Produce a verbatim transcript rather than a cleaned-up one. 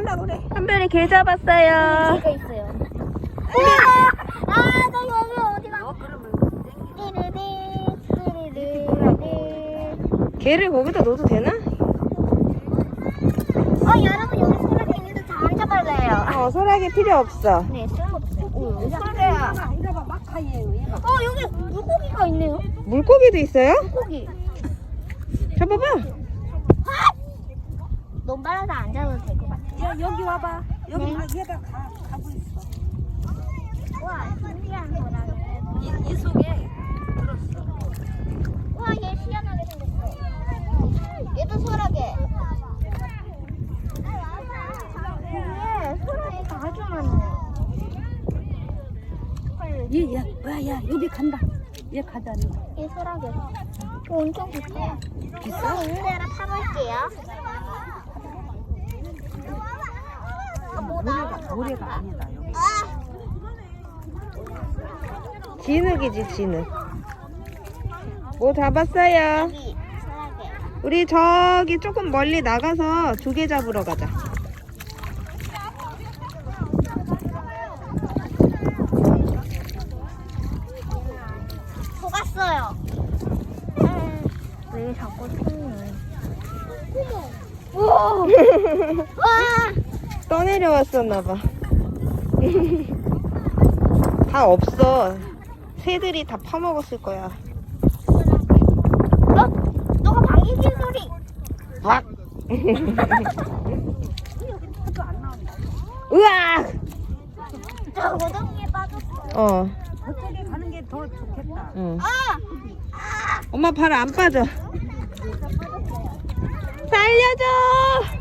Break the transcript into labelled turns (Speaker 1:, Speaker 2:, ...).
Speaker 1: 온다 그래.
Speaker 2: 한별이 개 잡았어요.
Speaker 3: 개가 있어요. 우와! 아, 나 여기 어디가?
Speaker 1: 어 그러면
Speaker 3: 띠리리, 띠리리.
Speaker 2: 개를 거기다 넣어도 되나?
Speaker 3: 어, 여러분 여기 소라게 있는데 다 안 잡아래요.
Speaker 2: 어, 소라게 필요 없어.
Speaker 3: 네, 쓸모없어요. 오, 여기
Speaker 1: 야,
Speaker 3: 소라게야.
Speaker 1: 아, 이거 봐 막하예요 얘가.
Speaker 3: 어, 여기 물고기가 있네요.
Speaker 2: 물고기도 있어요?
Speaker 3: 물고기.
Speaker 2: 잡아봐.
Speaker 3: 너무 빨라서 안 잡아도 될 것 같아요.
Speaker 1: 야 여기 와봐. 여기
Speaker 3: 네.
Speaker 1: 막 얘가 가, 가고 있어.
Speaker 3: 와, 신기한 소라게.
Speaker 1: 이, 이 속에 들었어.
Speaker 3: 와, 얘 희한하게 생겼어. 얘도 소라게. 여기에 소라게가 아주 많아요. 헐,
Speaker 1: 얘야 와야 여기 간다. 얘 가자.
Speaker 3: 얘 소라게. 이거 엄청 비싸요. 비싸? 있는 대로 타볼게요. 아, 뭐다?
Speaker 1: 모래가 아니다 여기.
Speaker 3: 아!
Speaker 2: 진흙이지, 진흙. 뭐 잡았어요?
Speaker 3: 여기 소라게.
Speaker 2: 우리 저기 조금 멀리 나가서 조개 잡으러 가자.
Speaker 3: 속았어요. 왜 자꾸 튀니? 어머. 와.
Speaker 2: 떠내려왔었나봐. 다 없어. 새들이 다 파먹었을 거야.
Speaker 3: 어? 너가 방귀 낀 소리.
Speaker 2: 박! 으악!
Speaker 3: 저 고동이에 빠졌어.
Speaker 2: 어,
Speaker 1: 저쪽에 가는 게 더 좋겠다.
Speaker 2: 응.
Speaker 3: 아!
Speaker 2: 엄마 발 안 빠져. 살려줘!